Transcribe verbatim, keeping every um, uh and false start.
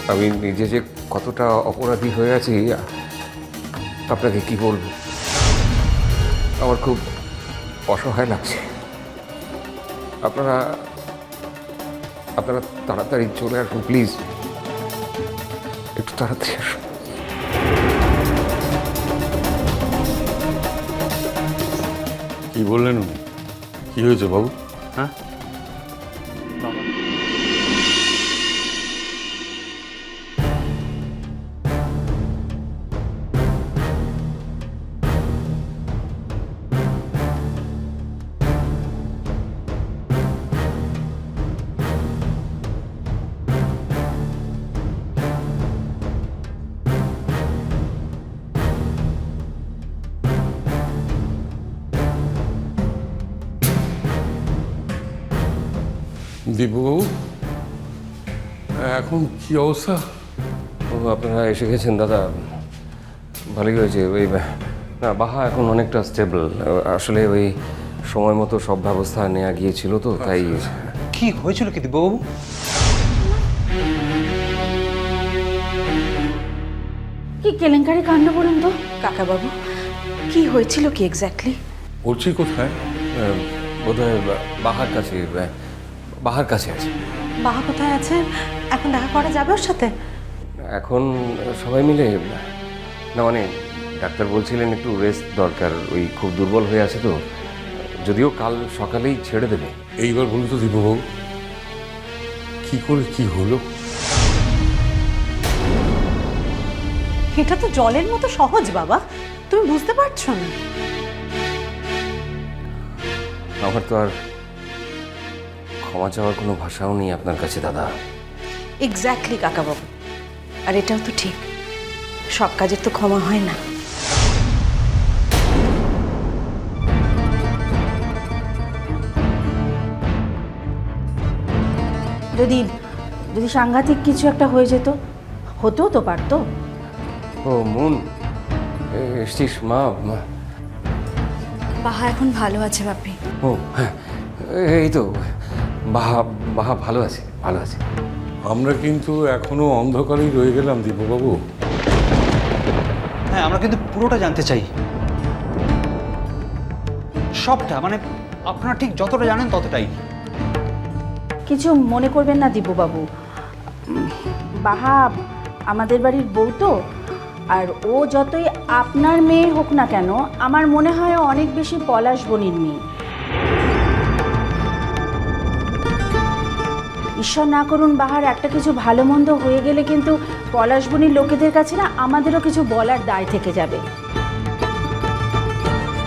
আমি নিজে যে কতটা অপরাধী হয়ে আছি আপনাকে কি বলবো। আমার খুব অসহায় লাগছে। আপনারা আপনারা তাড়াতাড়ি চলে আসুন প্লিজ, একটু তাড়াতাড়ি আসুন। কি বললেন উনি? কি হয়েছে বাবু? হ্যাঁ, দিব্যবাবু এখন কি অবস্থা? ও আপনারা এসে গেছেন দাদা, ভালোই হয়েছে। ওই না, বাহা এখন অনেকটা স্টেবল। আসলে ওই সময় মতো সব ব্যবস্থা নেওয়া গিয়েছিল তো, তাই। কি হয়েছিল কি দিব্যবাবু? কি কেলেঙ্কারি কাণ্ড বলুন তো কাকাবাবু, কি হয়েছিল কি এক্স্যাক্টলি? পড়ছি কোথায়? বোধহয় বাহার কাছে, বাহার কাছে আছে। বাহা কোথায় আছেন? এখন দেখা করা যাবে ওর সাথে? এখন সবাই মিলে না, মানে ডাক্তার বলছিলেন একটু রেস্ট দরকার, ওই খুব দুর্বল হয়ে আছে তো, যদিও কাল সকালেই ছেড়ে দেবে। এইবার বলুন তো দিব্যবাবু, কি করে কি হলো? এটা তো জলের মতো সহজ বাবা, তুমি বুঝতে পারছো না? আমার তো আর ক্ষমা চাওয়ার কোনো ভাষাও নেই আপনার কাছে দাদা। এক্স্যাক্টলি কাকাবাবু, আর এটাও তো ঠিক, সব কাজের তো ক্ষমা হয় না। যদি যদি সাংঘাতিক কিছু একটা হয়ে যেত, হতেও তো পারতো। ও মুন, এসছিস? মা মা বাহা এখন ভালো আছে বাপি। ও হ্যাঁ, এই তো বাহা বাহা ভালো আছে, ভালো আছে। আমরা কিন্তু এখনো অন্ধকারেই রয়ে গেলাম দিব্যবাবু। হ্যাঁ, আমরা কিন্তু পুরোটা জানতে চাই, সবটা। মানে আপনারা ঠিক যতটা জানেন ততটাই। কিছু মনে করবেন না দিব্যবাবু, বাহা আমাদের বাড়ির বউ তো, আর ও যতই আপনার মেয়ে হোক না কেন, আমার মনে হয় অনেক বেশি পলাশ বনির মেয়ে। ঈশ্বর না করুন বাহার একটা কিছু ভালো মন্দ হয়ে গেলে কিন্তু পলাশ বনির লোকেদের কাছে না আমাদেরও কিছু বলার দায় থেকে যাবে।